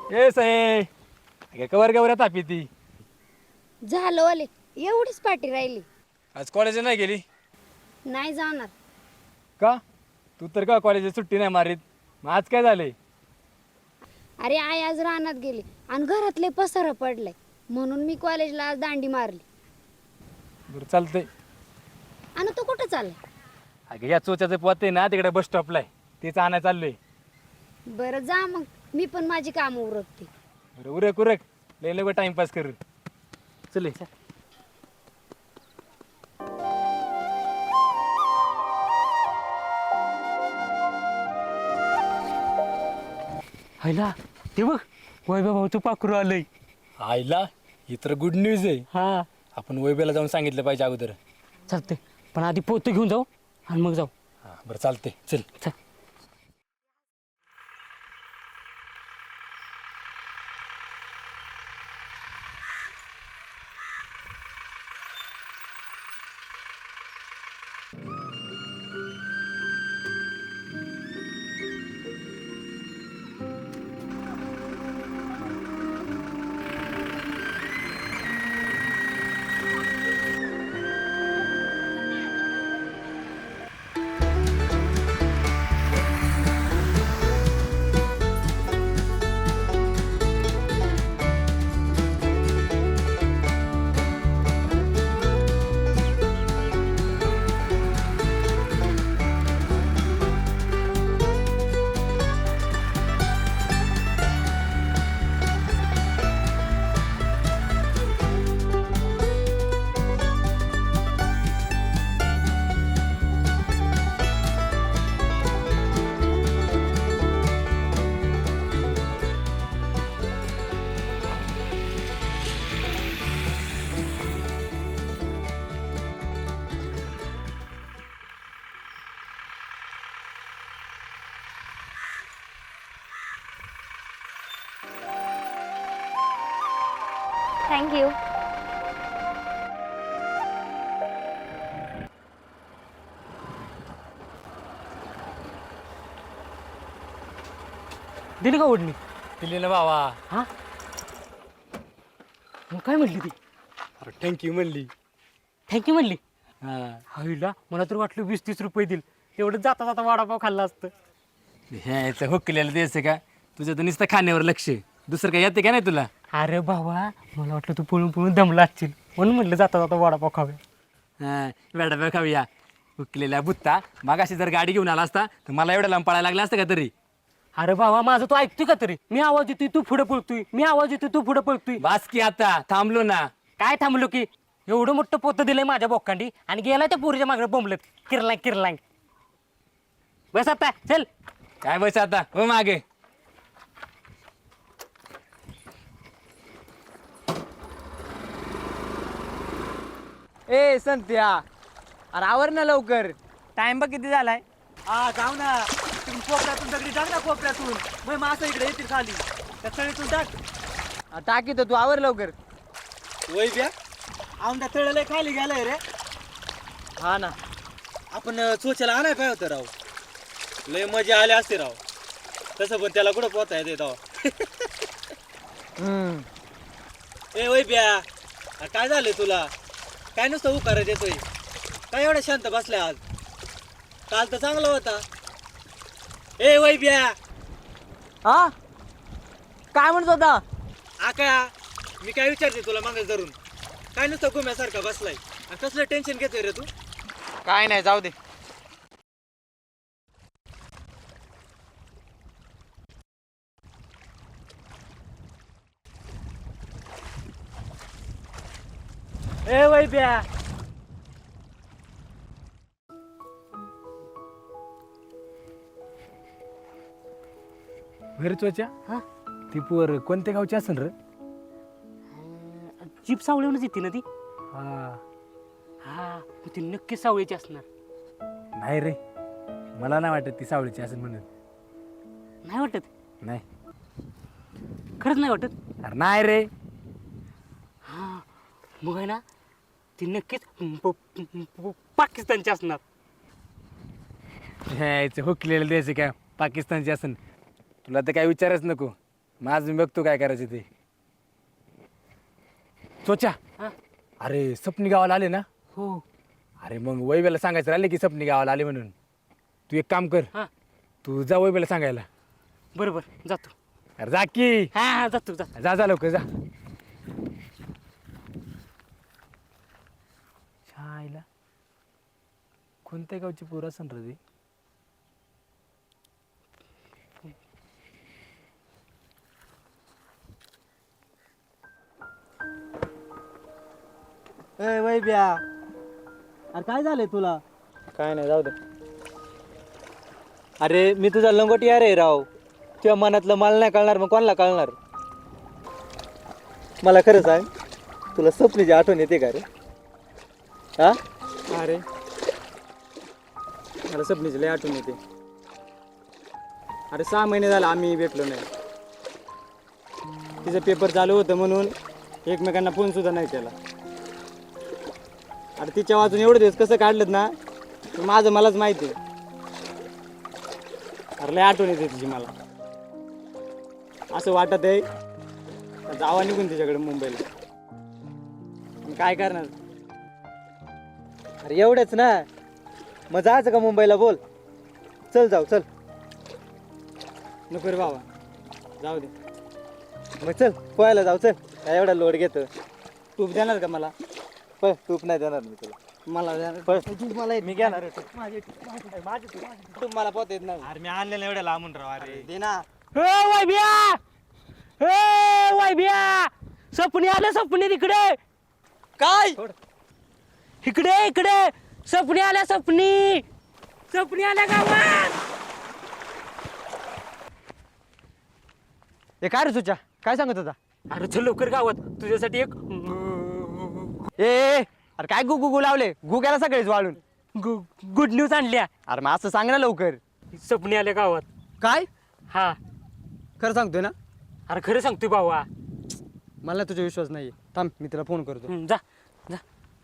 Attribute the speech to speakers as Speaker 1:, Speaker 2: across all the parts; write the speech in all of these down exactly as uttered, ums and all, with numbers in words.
Speaker 1: ए सये cover गवऱ्या Tapi ती
Speaker 2: झालं वाले एवढीच पाठी राहिली.
Speaker 1: आज कॉलेज नाही गेली
Speaker 2: नाही जाणार.
Speaker 1: का? तू तर का कॉलेज सुट्टी नाही मारीत, मग आज काय झालंय?
Speaker 2: अरे आई आज रानात गेली आणि घरातले पसार पडलंय म्हणून मी कॉलेजला आज दांडी मारली.
Speaker 1: बरं चालतंय.
Speaker 2: आणि तू कुठं चालला?
Speaker 1: अगं या चोच्याचं पोत आहे ना तिकडे बस स्टॉपला आहे, तेच आणायला चाललोय.
Speaker 2: बरं जा मग, मी पण माझी कामं उरकते.
Speaker 1: बरं उरक उरक, लय लय टाइमपास कर. चल ये.
Speaker 3: हायला ते बघ वैभव भाऊचं पाखरू आलंय.
Speaker 1: आईला ही तर गुड न्यूज आहे.
Speaker 3: हा
Speaker 1: आपण वैभवला जाऊन सांगितलं पाहिजे अगोदर.
Speaker 3: चालतंय, पण आधी पोतं घेऊन जाऊ आणि मग जाऊ.
Speaker 1: हां बरं चालतंय, चल
Speaker 3: चल.
Speaker 2: थँक्यू.
Speaker 3: दिली का ओढणी?
Speaker 1: दिली ना बाबा.
Speaker 3: हा मग काय म्हटली ती?
Speaker 1: अरे थँक्यू म्हणली.
Speaker 3: थँक्यू म्हणली.
Speaker 1: हां
Speaker 3: हायला मला तर वाटलं वीस तीस रुपये दिल, एवढं जाता जाता वडापाव खाल्ला असतं.
Speaker 1: ह्याचं हुकलेलं द्यायचं का? तुझं तर नुसतं खाण्यावर लक्ष आहे. दुसरं काय येते का नाही तुला?
Speaker 3: अरे बाबा मला वाटलं तू पळून पळून दमला असशील म्हणून म्हटलं जाता जाता वडापाव खावे.
Speaker 1: हां वडापाव खाऊया. हुकलेला बुत्ता मागाशी जर गाडी घेऊन आला असता तर मला एवढं लांब पळायला लागलं असतं का तरी?
Speaker 3: अरे बाबा माझं तू ऐकतोय का तरी? मी आवाज येतोय तू पुढे पळतोय, मी आवाज येतोय तू पुढे पळतोय.
Speaker 1: बास की आता थांबलो ना.
Speaker 3: काय थांबलो की? एवढं मोठं पोतं दिलंय माझ्या बोकांडी आणि गेला त्या पोरीच्या मागं बोंबलत किरलांग किरलांग. बस आता चल.
Speaker 1: काय बस आता हो मागे.
Speaker 4: ए संत्या, अरे आवर ना लवकर.
Speaker 5: टाइम बघ किती झालाय.
Speaker 4: हा जाऊ ना, तुम्ही कोपऱ्यातून दगडी टाक ना कोपऱ्यातून. मग मासा इकडे येतील खाली, त्या तळीतून टाक. टाकी तर तू आवर लवकर. वय ब्या आमच्या तळले खाली गेलाय रे. हा ना, आपण चोच्याला आणाय काय होतं राव. लय मजा आले असते राव. तसं पण त्याला कुठं पोहता येते राव. ए वय ब्या, काय झालंय तुला? काय नुसतं उकारा देतोय? काय एवढा शांत बसलाय आज? काल तर चांगला होता. ए वैब्या,
Speaker 5: हा काय म्हणत होता?
Speaker 4: आका मी काय विचारते तुला मागे धरून? काय नुसतं घुम्यासारखा बसलाय आणि कसलं टेन्शन घेतोय रे तू?
Speaker 5: काय नाही, जाऊ दे.
Speaker 4: ए वैब्या,
Speaker 1: घरचोच्या
Speaker 3: हा
Speaker 1: ती पोर कोणत्या गावची असेल रे?
Speaker 3: जीप सावळीवरच येते ना ती.
Speaker 1: हा
Speaker 3: हा मग ती नक्कीच सावळीची असणार.
Speaker 1: नाही रे, मला नाही वाटत ती सावळीची असेल म्हणून.
Speaker 3: नाही वाटत?
Speaker 1: नाही.
Speaker 3: खरंच नाही वाटत?
Speaker 1: अरे नाही रे.
Speaker 3: हा मग आहे ना ती नक्कीच प- प- पाकिस्तानची असणार.
Speaker 1: ह्याचं हुकलेलं द्यायचं काय पाकिस्तानची असेल? तुला तर काय विचारच नको. माझ मी बघतो काय करायचं ते. सोचा
Speaker 3: हा?
Speaker 1: अरे सपनी गावाला आले ना.
Speaker 3: हो.
Speaker 1: अरे मग वैभ्याला सांगायचं राहिले की सपनी गावाला आले म्हणून. तू एक काम कर,
Speaker 3: हा
Speaker 1: तू जा वैभ्याला सांगायला.
Speaker 3: बरोबर जातो.
Speaker 1: अरे जा की.
Speaker 3: हा हा जातो जा.
Speaker 1: जा जा लवकर जा. छायला कोणत्या गावची पोर असन रे?
Speaker 4: ए वैब्या, अरे काय झालंय तुला?
Speaker 5: काय नाही जाऊ दे.
Speaker 4: अरे मी तुझा लंगोटी आहे राव. तुझ्या मनातलं मला नाही कळणार, मग कोणाला कळणार? मला खरं सांग, तुला स्वप्नीची आठवण येते का रे? हा?
Speaker 5: अरे मला सपनीची लय आठवण येते. अरे सहा महिने झाले आम्ही भेटलो नाही. तिचं पेपर चालू होतं म्हणून एकमेकांना फोन सुद्धा नाही केला. अरे तिच्या वाचून एवढे दिवस कसं काढलेत ना, तर माझं मलाच माहिती आहे. अरे लय आठवण येते तिची मला. असं वाटत आहे जावा निघून तिच्याकडे मुंबईला. पण काय करणार?
Speaker 4: अरे एवढंच ना, मग जायचं का मुंबईला? बोल, चल जाऊ चल.
Speaker 5: नको रे बाबा, जाऊ दे.
Speaker 4: मग चल पोहायला जाऊ, चल. काय एवढा लोड घेतो?
Speaker 5: तूप देणार का मला?
Speaker 4: पण तूप नाही देणार मी तुला.
Speaker 5: मला देणार.
Speaker 4: पण तूप मला
Speaker 5: मी घेणार तूप मला पोत येत नाही.
Speaker 4: अरे मी आणलेलं एवढ्या लांबून राव. अरे
Speaker 5: दे ना.
Speaker 3: ए वैभ्या, ए वैभ्या, सपनी आलं, सपनी तिकडे.
Speaker 5: काय?
Speaker 3: इकडे इकडे सपनी आल्या, सपनी सपनी आल्या गावात.
Speaker 5: हे काय रे सुचा, काय सांगत होता?
Speaker 3: अरे चल लवकर गावात, तुझ्यासाठी एक
Speaker 5: ए ए, अरे काय गु गु गु लावले? गु गेला सगळेच वाळून.
Speaker 3: गुड न्यूज आणल्या.
Speaker 5: अरे मग असं सांग ना लवकर.
Speaker 3: सपनी आल्या गावात.
Speaker 5: काय?
Speaker 3: हा
Speaker 5: खरं सांगतोय ना?
Speaker 3: अरे खरं सांगतोय भावा.
Speaker 5: मला तुझा विश्वास नाही. थांब मी तुला फोन करतो.
Speaker 3: हं, जा जा.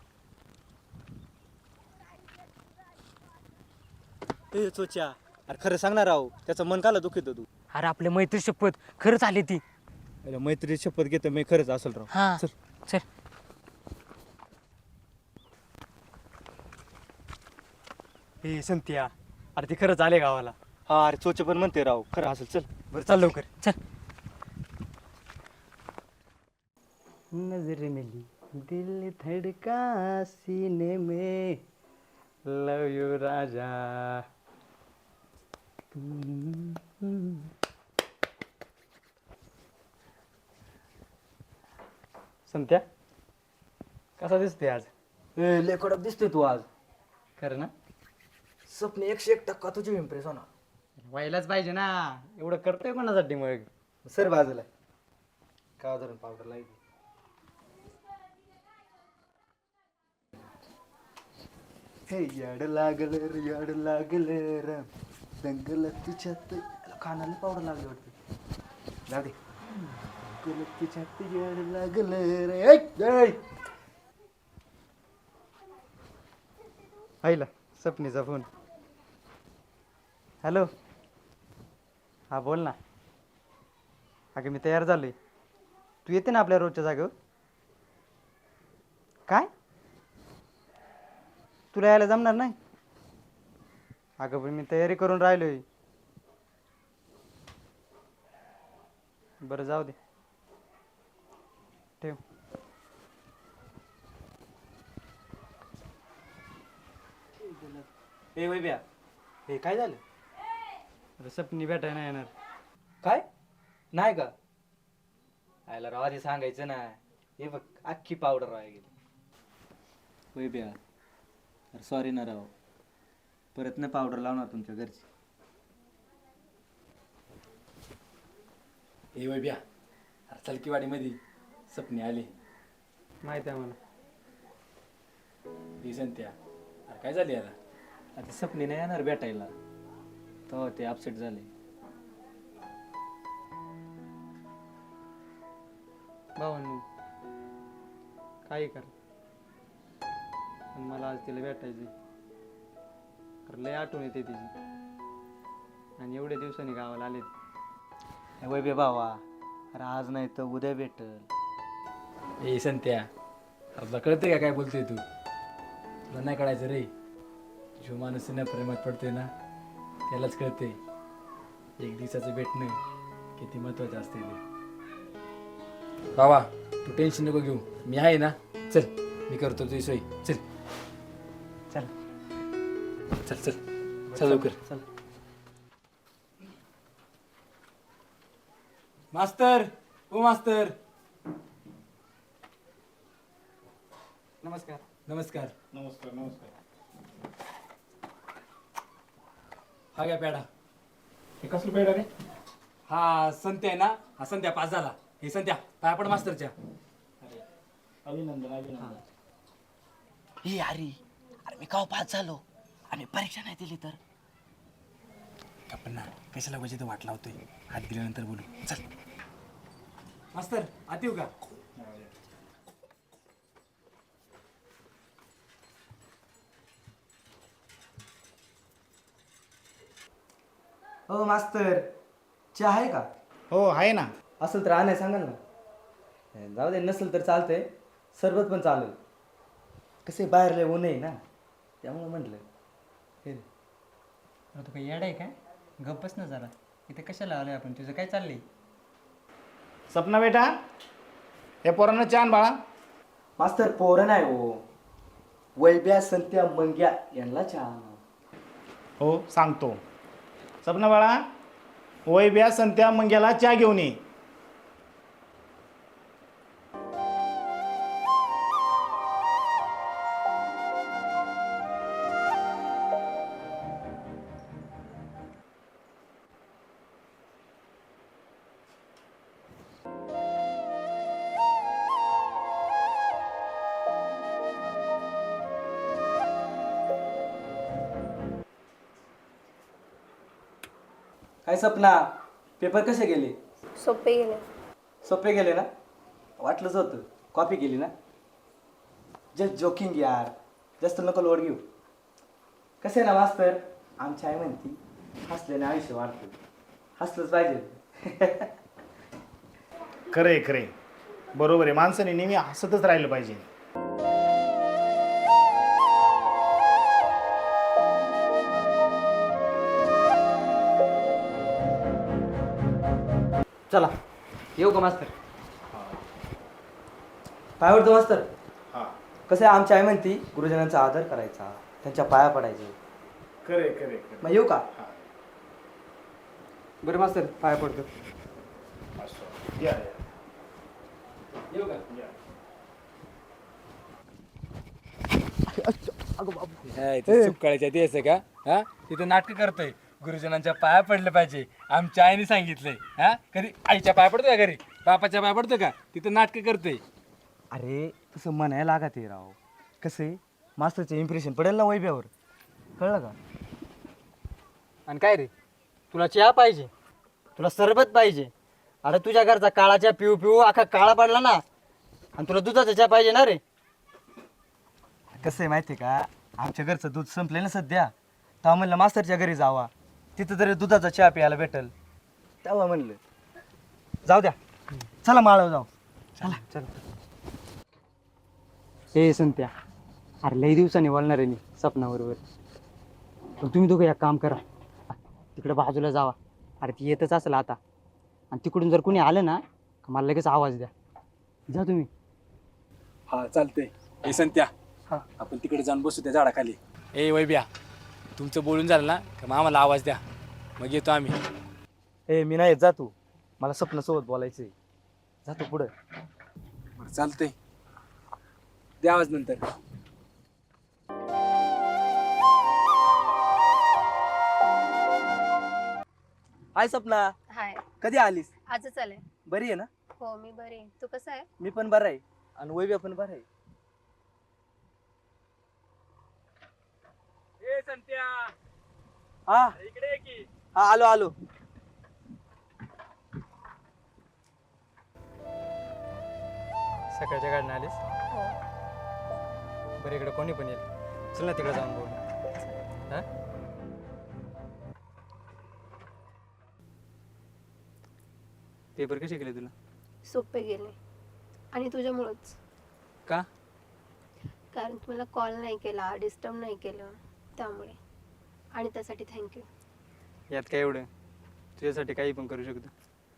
Speaker 4: ए सोच्या, अरे खरं सांगणार राव, त्याचं मन काला दुखित तू?
Speaker 3: अरे आपल्या मैत्री शपथ खरंच आली ती.
Speaker 4: अरे मैत्री शपथ घेतो मी, खरंच असेल राव.
Speaker 3: हा
Speaker 4: चल.
Speaker 3: चल.
Speaker 5: ए संत्या, अरे ते खरंच आले गावाला.
Speaker 4: हा अरे चोचे पण म्हणते राव, खरं असेल. चल
Speaker 5: बरं चाल लवकर.
Speaker 3: चल.
Speaker 5: नजर मिली दिल धड़का सीने में, लव यू राजा. संत्या, कसा दिसते आज?
Speaker 4: लय कडक दिसतोय तू आज.
Speaker 5: खरं ना?
Speaker 4: स्वप्न एकशे एक टक्का तुझी इम्प्रेस होणार.
Speaker 5: व्हायलाच पाहिजे ना. एवढं करतोय कोणासाठी मग?
Speaker 4: सर बाजूला का धरून पावडर लागली. हे याड लागल रे, याड लागल र, दंगल तुझ्यात. कानाला पावडर लागली वाटतं. जाऊ दे. दंगल तुझ्यात याड लागल रे. ऐ, ऐ.
Speaker 5: आईला सपनीचा फोन. हॅलो. हा बोल ना. अगं मी तयार झालोय. तू येते ना आपल्या रोजच्या जागेवर? काय? तुला यायला जमणार नाही? अगं पण मी तयारी करून राहिलोय. बरं जाऊ दे, ठेव.
Speaker 4: ए वैब्या, हे काय झालं?
Speaker 5: अरे सपनी भेटाय नाही येणार.
Speaker 4: काय नाही का? आयला राव आधी सांगायचं ना. हे बघ अख्खी पावडर राहा गेली. वैब्या, अरे सॉरी ना राव, परत न पावडर लावणार तुमच्या घरची.
Speaker 1: ए वैभ्या, अरे चलकीवाडीमध्ये सपनी आली.
Speaker 5: माहिती आहे मला.
Speaker 1: दिसंत्या, अरे काय झाली याला?
Speaker 4: आता सपनी नाही येणार भेटायला, तेव्हा ते अपसेट झाले.
Speaker 5: भावांनी काही कर, पण मला आज तिला भेटायची. तर लय आठवण येते तिची. आणि एवढ्या दिवसांनी गावाला आलेत.
Speaker 4: वैभ्या भावा, अरे आज नाही तर उद्या भेटल.
Speaker 1: ए संत्या, आपला कळतंय का काय बोलतोय तू? तुला नाही कळायचं रे. जो माणूस ना प्रेमात पडतोय ना त्यालाच कळते एक दिवसाचं भेटणं किती महत्वाचं असते ते. बाबा तू टेन्शन नको घेऊ, मी आहे ना. चल मी करतो तुझी सोय. चल
Speaker 4: चल
Speaker 1: चल चल चल लवकर.
Speaker 4: चल.
Speaker 1: मास्तर, ओ मास्तर.
Speaker 4: नमस्कार.
Speaker 1: नमस्कार.
Speaker 5: नमस्कार नमस्कार.
Speaker 1: हा घ्या पेढा.
Speaker 5: हे कसलं पेढा रे?
Speaker 1: हा संत्या आहे ना, हा संत्या पास झाला. हे संत्या पाया पड मास्तरच्या.
Speaker 5: अभिनंदन अभिनंदन.
Speaker 4: हे अरे अरे मी काव पास झालो आणि परीक्षा नाही दिली तर?
Speaker 1: आपण ना कशाला पाहिजे वाट लावतोय. हात दिल्यानंतर बोलू. चल मास्तर आत येऊ का?
Speaker 4: हो मास्तर, चहा आहे का?
Speaker 5: हो आहे ना.
Speaker 4: असेल तर आणाय सांगाल ना. जाऊ दे, नसेल तर चालतंय. सरबत पण चालेल. कसे बाहेर लय ऊन आहे ना, त्यामुळे म्हटलं. हे रे.
Speaker 6: तू काही येड आहे काय? गप्पच ना जरा. इथे कशाला आलोय आपण? तुझं काय चाललंय?
Speaker 5: सपना बेटा, हे पोरांना छान बाळा.
Speaker 4: मास्तर पोरं नाही हो, वैब्या संत्या मंग्या यांना चहा.
Speaker 5: हो सांगतो. सपना बाळा, वैब्या संत्या मंग्याला चहा घेऊन ये.
Speaker 4: काय सपना, पेपर कसे गेले?
Speaker 7: सोपे गेले.
Speaker 4: सोपे गेले ना? वाटलंच होतं. कॉपी केली ना? जस्ट जोकिंग यार, जास्त नको लोड घेऊ. कसे ना मास्तर, आमची आई म्हणती हसल्याने आयुष्य वाढतं. हसलंच पाहिजे.
Speaker 5: खरे खरे बरोबर आहे. माणसाने नेहमी हसतच राहिलं पाहिजे.
Speaker 4: चला येऊ का मास्तर? पाय पडतो मास्तर.
Speaker 5: हा
Speaker 4: कसं आहे, आमची आई म्हणती गुरुजनांचा आदर करायचा, त्यांच्या पाया पडायचे.
Speaker 5: खरे खरे खरे.
Speaker 4: मग येऊ का?
Speaker 5: हा.
Speaker 4: बरं मास्तर, पाया पडतो.
Speaker 5: असं. या या.
Speaker 1: येऊ का?
Speaker 5: या.
Speaker 1: सुकाळीच्या दिवस आहे का? हा तिथं नाटक करतोय. गुरुजनांच्या पाया पडलं पाहिजे आमच्या आईने सांगितलंय. हा कधी आईच्या पाया पडतो का घरी? बापाच्या पाया पडतो का? तिथं नाटक करतोय.
Speaker 4: अरे तसं म्हणायला लागत आहे राव. कसं आहे, मास्टरचं इम्प्रेशन पडेल ना वैभ्यावर. कळलं का?
Speaker 6: आणि काय रे, तुला चहा पाहिजे? तुला सरबत पाहिजे? अरे तुझ्या घरचा काळाच्या पिऊ पिऊ अख्खा काळा पडला ना. आणि तुला दुधाचा चहा पाहिजे ना रे?
Speaker 4: कसं आहे माहिती आहे का, आमच्या घरचं दूध संपले ना सध्या. तेव्हा म्हणलं मास्तरच्या घरी जावा, तिथं तरी दुधाचा चहा प्यायला भेटल. तेव्हा म्हणलं जाऊ द्या, चला माळव जाऊ. चला चला.
Speaker 6: हे संत्या, अरे लई दिवसांनी बोलणार आहे मी सपनाबरोबर. पण तुम्ही दोघं एक काम करा, तिकडे बाजूला जावा. अरे ती येतच असेल आता. आणि तिकडून जर कोणी आलं ना, मला लगेच आवाज द्या. जा तुम्ही.
Speaker 1: हा चालतंय. ए संत्या,
Speaker 4: हा.
Speaker 1: आपण तिकडे जाऊन बसू त्या झाडाखाली. ए वैब्या, तुमचं बोलून झालं ना का मग आम्हाला आवाज द्या, मग येतो आम्ही.
Speaker 4: ए मी नाही जा तू, मला स्वप्नासोबत बोलायचं आहे. जातो पुढं.
Speaker 1: बरं चालतंय, द्या आवाज नंतर.
Speaker 4: हाय सपना,
Speaker 7: हाय.
Speaker 4: कधी आलीस?
Speaker 7: आजच आले.
Speaker 4: बरी आहे ना?
Speaker 7: हो मी बरी आहे. तू कसं आहे?
Speaker 4: मी पण बरं आहे आणि वैभ्या पण बरं आहे.
Speaker 1: ए संत्या,
Speaker 4: हा
Speaker 1: इकडे ये की.
Speaker 4: हा आलो आलो.
Speaker 6: सकाळच्या गाडीनं आलीस?
Speaker 7: हो.
Speaker 6: बरं इकडे कोणी पण येईल. चल ना तिकडे जाऊन बोलू. हा?
Speaker 5: पेपर कसे केले तुला?
Speaker 7: सोपे गेले आणि तुझ्यामुळंच.
Speaker 5: का?
Speaker 7: कारण तू मला कॉल नाही केला, डिस्टर्ब नाही केलं त्यामुळे. आणि त्यासाठी थँक्यू.
Speaker 5: यात काय एवढं, तुझ्यासाठी काही पण करू शकतो.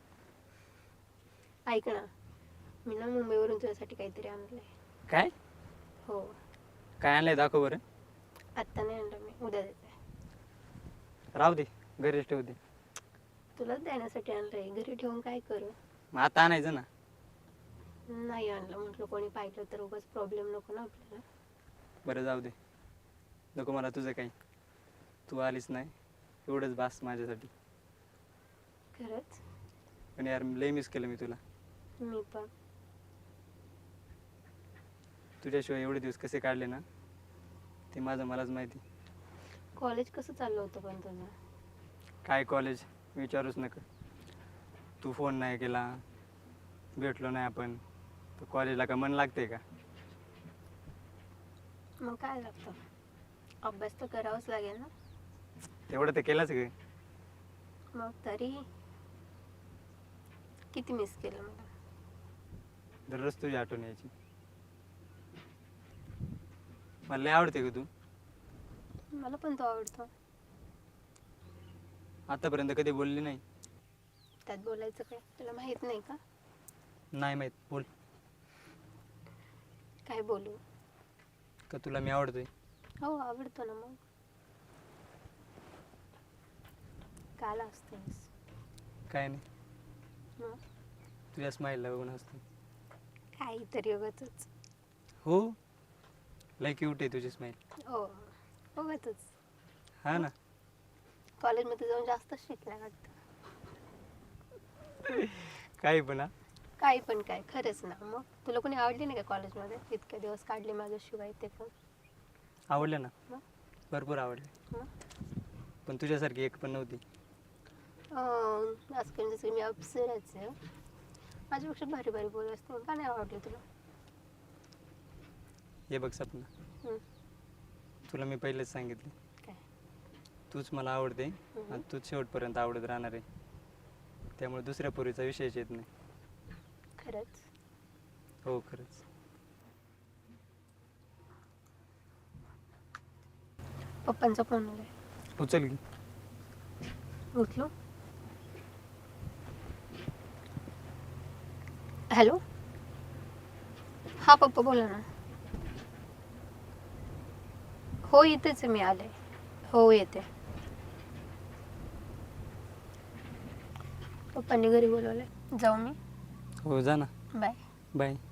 Speaker 7: ऐक ना, मी ना मुंबईवरून तुझ्यासाठी काहीतरी आणलंय.
Speaker 5: काय
Speaker 7: हो,
Speaker 5: काय आणलंय दाखव बरं.
Speaker 7: आत्ता नाही आणलं मी, उद्या देते.
Speaker 5: राहू दे, घरीच ठेवू दे.
Speaker 7: तुलाच देण्यासाठी आणलंय, घरी ठेवून काय करू?
Speaker 5: मग आता आणायचं ना.
Speaker 7: नाही आणलं, म्हटलं कोणी पाहिलं तर उगाच प्रॉब्लेम नको ना आपल्याला.
Speaker 5: बरं जाऊ दे, नको मला तुझं काही. तू आलीस नाही एवढंच बास माझ्यासाठी.
Speaker 7: खरंच
Speaker 5: पण यार लय मिस केलं मी तुला.
Speaker 7: मी पण.
Speaker 5: तुझ्याशिवाय एवढे दिवस कसे काढले ना ते माझं मलाच माहिती.
Speaker 7: कॉलेज कसं चाललं होतं पण तुझं?
Speaker 5: काय कॉलेज विचारूच नका. तू फोन नाही केला, भेटलो नाही आपण, तर कॉलेजला का मन लागते का?
Speaker 7: मग काय लागतं, अभ्यास तर करावाच लागेल ना.
Speaker 5: तेवढं तर केलंच ग.
Speaker 7: मग तरी किती मिस केलं मला.
Speaker 5: दररोज तुझी आठवण यायची. मला लय आवडते ग तू.
Speaker 7: मला पण तो आवडतो.
Speaker 5: आतापर्यंत कधी बोलली नाही.
Speaker 7: त्यात बोलायचं काय, तुला माहित नाही का?
Speaker 5: नाही माहीत, बोल.
Speaker 7: काय बोलू?
Speaker 5: का तुला मी आवडतोय?
Speaker 7: हो आवडतो ना. मग काल असतेस.
Speaker 5: काय नाही,
Speaker 7: मग
Speaker 5: तुझ्या स्माईलला बघून असतो.
Speaker 7: काहीतरी उगाचच.
Speaker 5: हो, लय क्यूट आहे तुझी स्माईल.
Speaker 7: हो उगाचच.
Speaker 5: हा ना.
Speaker 7: कॉलेजमध्ये जाऊन जास्त शिकल्या वाटतं.
Speaker 5: काही पण. हा
Speaker 7: काही पण काय, खरंच ना. मग तुला कोणी आवडली नाही का कॉलेजमध्ये? इतके दिवस काढले माझ्याशिवाय ते पण.
Speaker 5: आवडलं ना,
Speaker 7: मग?
Speaker 5: भरपूर आवडले.
Speaker 7: मग?
Speaker 5: पण तुझ्यासारखी एक पण नव्हती.
Speaker 7: अं, असं काही जसं मी अप्सराच आहे. माझ्यापेक्षा भारी भारी बोल असते. का नाही आवडली तुला?
Speaker 5: हे बघ सपना,
Speaker 7: हं.
Speaker 5: तुला मी पहिलेच सांगितले,
Speaker 7: काय?
Speaker 5: तूच मला आवडते
Speaker 7: हम्म.
Speaker 5: आणि तूच शेवटपर्यंत आवडत राहणार आहे. त्यामुळे दुसऱ्या पोरीचा विषयच येत नाही.
Speaker 7: खरंच?
Speaker 5: हो खरंच.
Speaker 7: पप्पांचा फोन आलाय.
Speaker 5: उचल की.
Speaker 7: उठलो. हॅलो. हा पप्पा बोला ना. हो इथेच आहे मी, आले. हो येते. पप्पांनी घरी बोलवलंय, जाऊ मी?
Speaker 5: हो जा ना.
Speaker 7: बाय.
Speaker 5: बाय.